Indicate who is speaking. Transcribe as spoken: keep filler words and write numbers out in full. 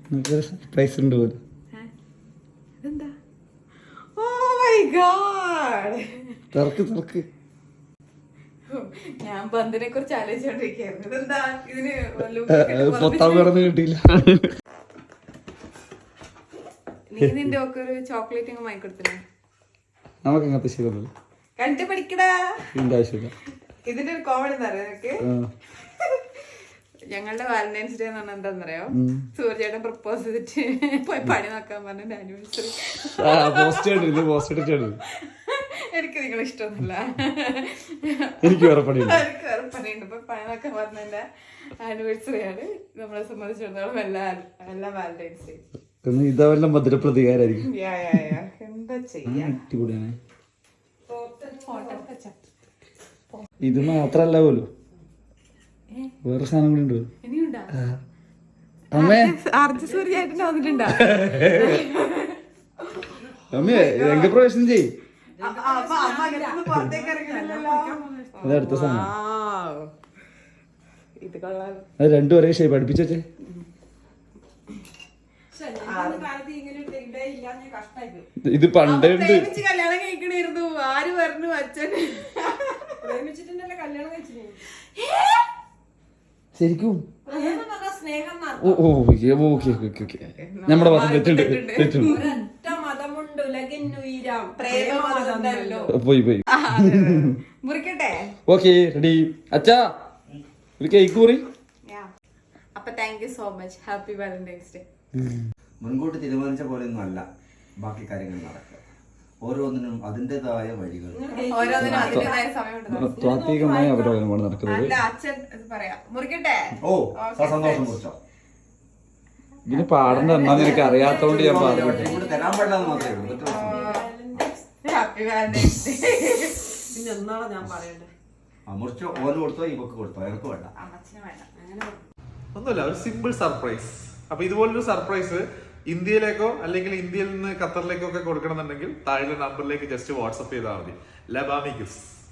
Speaker 1: Surprise ഉണ്ട് പോലും.
Speaker 2: ഇതെന്താ? Oh my God!
Speaker 1: തുറക്ക് തുറക്ക്.
Speaker 2: ഞാൻ ബന്ധിനെ കുറിച്ച് ആലോചിച്ചോണ്ടിരിക്കുകയായിരുന്നു. ഇതെന്താ ഇതിന്
Speaker 1: പൊത്താൻ കിടന്ന് കിട്ടിയില്ല.
Speaker 2: നീ നിന്റെ ഒക്കെ ഒരു ചോക്ലേറ്റ് അങ്ങ് വാങ്ങിക്കൊടുത്തില്ലേ?
Speaker 1: നമുക്ക് അങ്ങനത്തെ ശീലമല്ല.
Speaker 2: കണ്ടു പഠിക്കടാ.
Speaker 1: ഇതിന്റെ ആവശ്യമില്ല.
Speaker 2: ഇതിന്റെ ഒരു കോമഡി എന്താ അറിയാം നിനക്ക്? ഞങ്ങളുടെ വാലന്റൈൻസ് ഡേ എന്ന് പറഞ്ഞാൽ എന്താന്നറിയോ? സൂര്യചേട്ടൻ പ്രപ്പോസ് ചെയ്തിട്ട് പോയി പണി നോക്കാൻ പറഞ്ഞ ആനിവേഴ്സറി. എനിക്ക് നിങ്ങളെ ഇഷ്ടമൊന്നുമില്ല,
Speaker 1: എനിക്ക് വേറെ പണിയുണ്ട്.
Speaker 2: എനിക്ക് വേറെ പണിയുണ്ട്. ഇപ്പൊ പണി നോക്കാൻ പറഞ്ഞതിന്റെ ആനിവേഴ്സറി ആണ് നമ്മളെ സംബന്ധിച്ചിടത്തോളം എല്ലാ എല്ലാ വാലന്റൈൻസ് ഡേ.
Speaker 1: ഇതെല്ലാം ഭദ്ര പ്രതികാരായിരിക്കും.
Speaker 2: എന്താ ചെയ്യാ?
Speaker 1: ഇത് മാത്രല്ല പോലും വേറെ സാധനം കൂടി ഉണ്ട്. അമ്മേ
Speaker 2: സൂര്യചേട്ടൻ വന്നിട്ടുണ്ടോ?
Speaker 1: അമ്മേ രംഗപ്രവേശനം ചെയ്. അടുത്ത സാധനം
Speaker 2: ഇത് കൊള്ളാം.
Speaker 1: അത് രണ്ടും ഒരേ ഷേപ്പ് അടുപ്പിച്ചേ. ഇത് പണ്ടേ ഉണ്ട്.
Speaker 2: കല്യാണം കഴിക്കണായിരുന്നു. ആര് പറഞ്ഞു? അച്ഛൻ
Speaker 1: ശരിക്കും നമ്മുടെ മതം തെറ്റുണ്ട് തെറ്റുണ്ട്. പോയി പോയി.
Speaker 2: മുറിക്കട്ടെ?
Speaker 1: Okay ready. അച്ഛാ ഒരു കേക്ക് മുറി.
Speaker 2: അപ്പൊ thank you so much. Happy Valentine's Day.
Speaker 3: മുൻകൂട്ടി തീരുമാനിച്ച പോലെയൊന്നും അല്ല ബാക്കി കാര്യങ്ങൾ നടക്കുക. ഓരോന്നിനും അതിൻ്റെതായ വഴികൾ,
Speaker 2: ഓരോന്നിനും അതിന്റേതായ സമയമുണ്ട്.
Speaker 1: താത്വികമായ അവലോകനമാണ് നടക്കുന്നത്.
Speaker 2: അച്ഛൻ പറയാം. മുറിക്കട്ടെ?
Speaker 3: ഓ സന്തോഷം കുറിച്ചോ.
Speaker 1: ഇതിന് പാടേണ്ട എന്നാന്ന് എനിക്ക് അറിയാത്തോണ്ട് ഞാൻ പാടും.
Speaker 3: തരാൻ പാടില്ലെന്ന് മാത്രമേ ഉള്ളൂ.
Speaker 2: Happy Valentine's day.
Speaker 3: മുറിച്ചോ ഓന് കൊടുത്തോ ഈ ബുക്ക് കൊടുത്തോ? എനിക്ക് വേണ്ട.
Speaker 4: ഒന്നുമില്ല, ഒരു സിമ്പിൾ സർപ്രൈസ്. അപ്പൊ ഇതുപോലൊരു സർപ്രൈസ് ഇന്ത്യയിലേക്കോ അല്ലെങ്കിൽ ഇന്ത്യയിൽ നിന്ന് ഖത്തറിലേക്കോ ഒക്കെ കൊടുക്കണമെന്നുണ്ടെങ്കിൽ താഴെ നമ്പറിലേക്ക് ജസ്റ്റ് വാട്സപ്പ് ചെയ്താൽ മതി. ലബാമി ഗിഫ്റ്റ്സ്.